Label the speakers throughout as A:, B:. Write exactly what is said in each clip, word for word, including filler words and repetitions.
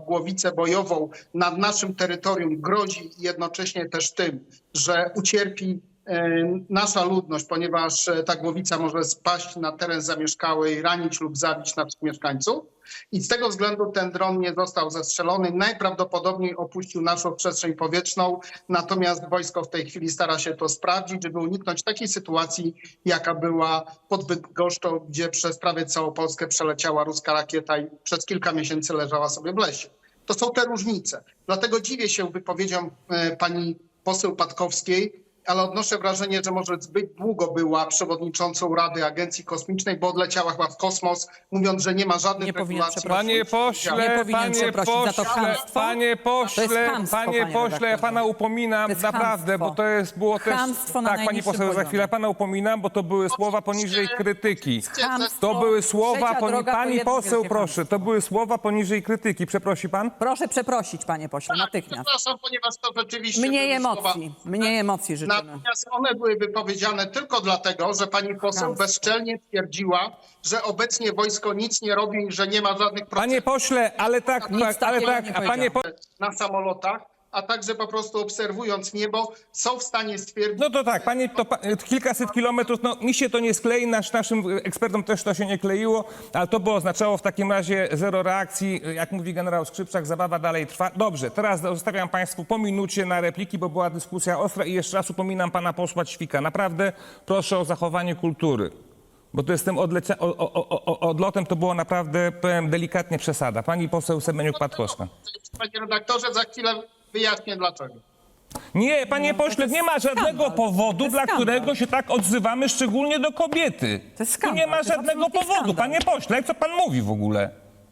A: głowicę bojową nad naszym terytorium, grozi jednocześnie też tym, że ucierpi nasza ludność, ponieważ ta głowica może spaść na teren zamieszkały i ranić lub zabić naszych mieszkańców. I z tego względu ten dron nie został zestrzelony. Najprawdopodobniej opuścił naszą przestrzeń powietrzną, natomiast wojsko w tej chwili stara się to sprawdzić, żeby uniknąć takiej sytuacji, jaka była pod Bydgoszczą, gdzie przez prawie całą Polskę przeleciała ruska rakieta i przez kilka miesięcy leżała sobie w lesie. To są te różnice. Dlatego dziwię się wypowiedziom pani poseł Patkowskiej, ale odnoszę wrażenie, że może zbyt długo była przewodniczącą Rady Agencji Kosmicznej, bo odleciała chyba w kosmos, mówiąc, że nie ma żadnych
B: Nie powinien
A: regulacji.
C: Panie pośle,
B: Nie powinien
C: panie
B: przeprosić za to
C: pośle,
B: chamstwo.
C: panie
B: To
C: pośle,
B: jest chamstwo,
C: panie
B: panie
C: pośle, ja
B: redaktorze.
C: pana upominam
B: To jest
C: naprawdę,
B: chamstwo.
C: bo to jest było też...
B: Chamstwo na
C: Tak, pani
B: najniższym
C: poseł, za
B: poziomie.
C: chwilę pana upominam, bo to były słowa poniżej krytyki.
B: Chamstwo.
C: To były słowa,
B: Trzecia
C: poni...
B: droga to
C: pani
B: jedno
C: poseł,
B: wielkie
C: proszę,
B: chamstwo.
C: to były słowa poniżej krytyki. Przeprosi pan?
B: Proszę przeprosić, panie pośle,
A: Tak,
B: natychmiast.
A: przepraszam, ponieważ to rzeczywiście
B: Mniej
A: były
B: emocji,
A: słowa.
B: mniej emocji życzymy.
A: Natomiast one były wypowiedziane tylko dlatego, że pani poseł
B: Chamstwo.
A: bezczelnie twierdziła, że obecnie wojsko nic nie robi i że nie ma żadnych
C: Panie
A: procesów
C: pośle, ale tak,
B: Nic
C: tak ale
B: takiego
C: tak,
B: nie
C: a panie po...
A: na samolotach, a także po prostu obserwując niebo, są w stanie stwierdzić...
C: No to tak, panie, to pa, kilkaset kilometrów, no mi się to nie sklei, nasz, naszym ekspertom też to się nie kleiło, ale to by oznaczało w takim razie zero reakcji, jak mówi generał Skrzypczak, zabawa dalej trwa. Dobrze, teraz zostawiam państwu po minucie na repliki, bo była dyskusja ostra i jeszcze raz upominam pana posła Ćwika. Naprawdę proszę o zachowanie kultury, bo to jest tym odlecia- o, o, o, odlotem to było naprawdę, powiem delikatnie, przesada. Pani poseł Semeniuk-Patkowska.
A: Panie redaktorze, za chwilę wyjaśnię dlaczego.
C: Nie, panie
B: No, to
C: pośle,
B: jest
C: nie ma żadnego
B: skandal. To
C: powodu,
B: jest
C: dla
B: skandal.
C: którego się tak odzywamy, szczególnie do kobiety.
B: To jest
C: Tu
B: skandal,
C: nie ma
B: to jest
C: żadnego
B: absolutnie
C: powodu,
B: skandal.
C: panie pośle, co pan mówi w ogóle?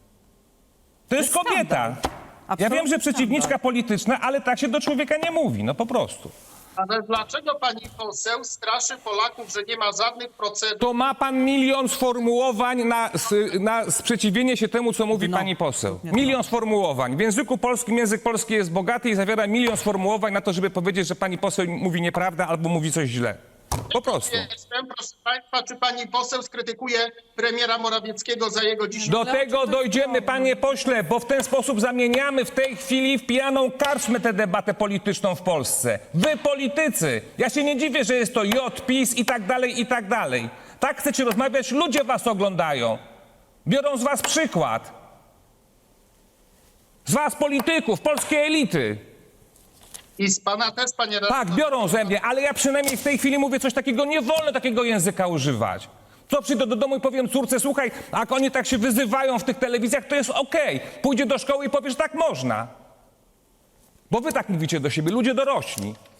C: To jest
B: jest
C: kobieta.
B: skandal.
C: Ja wiem,
B: Absolutny
C: że przeciwniczka
B: skandal.
C: polityczna, ale tak się do człowieka nie mówi, no po prostu.
A: Ale dlaczego pani poseł straszy Polaków, że nie ma żadnych procedur?
C: To ma pan milion sformułowań na, s- na sprzeciwienie się temu, co mówi
B: Dno.
C: pani poseł.
B: Nie
C: Milion sformułowań. W języku polskim język polski jest bogaty i zawiera milion sformułowań na to, żeby powiedzieć, że pani poseł mówi nieprawdę albo mówi coś źle. Po prostu.
A: Jestem, proszę państwa, czy pani poseł skrytykuje premiera Morawieckiego za jego dzisiejsze...
C: Do tego dojdziemy, panie pośle, bo w ten sposób zamieniamy w tej chwili w pijaną karczmę tę debatę polityczną w Polsce. Wy politycy! Ja się nie dziwię, że jest to J, PiS i tak dalej, i tak dalej. Tak chcecie rozmawiać, ludzie was oglądają. Biorą z was przykład. Z was polityków, polskiej elity.
A: I z pana też, panie
C: Tak,
A: redaktorze.
C: biorą ze mnie, ale ja przynajmniej w tej chwili mówię coś takiego, nie wolno takiego języka używać. Co przyjdę do domu i powiem córce, słuchaj, a jak oni tak się wyzywają w tych telewizjach, to jest okej. Pójdzie do szkoły i powie, że tak można. Bo wy tak mówicie do siebie, ludzie dorośli.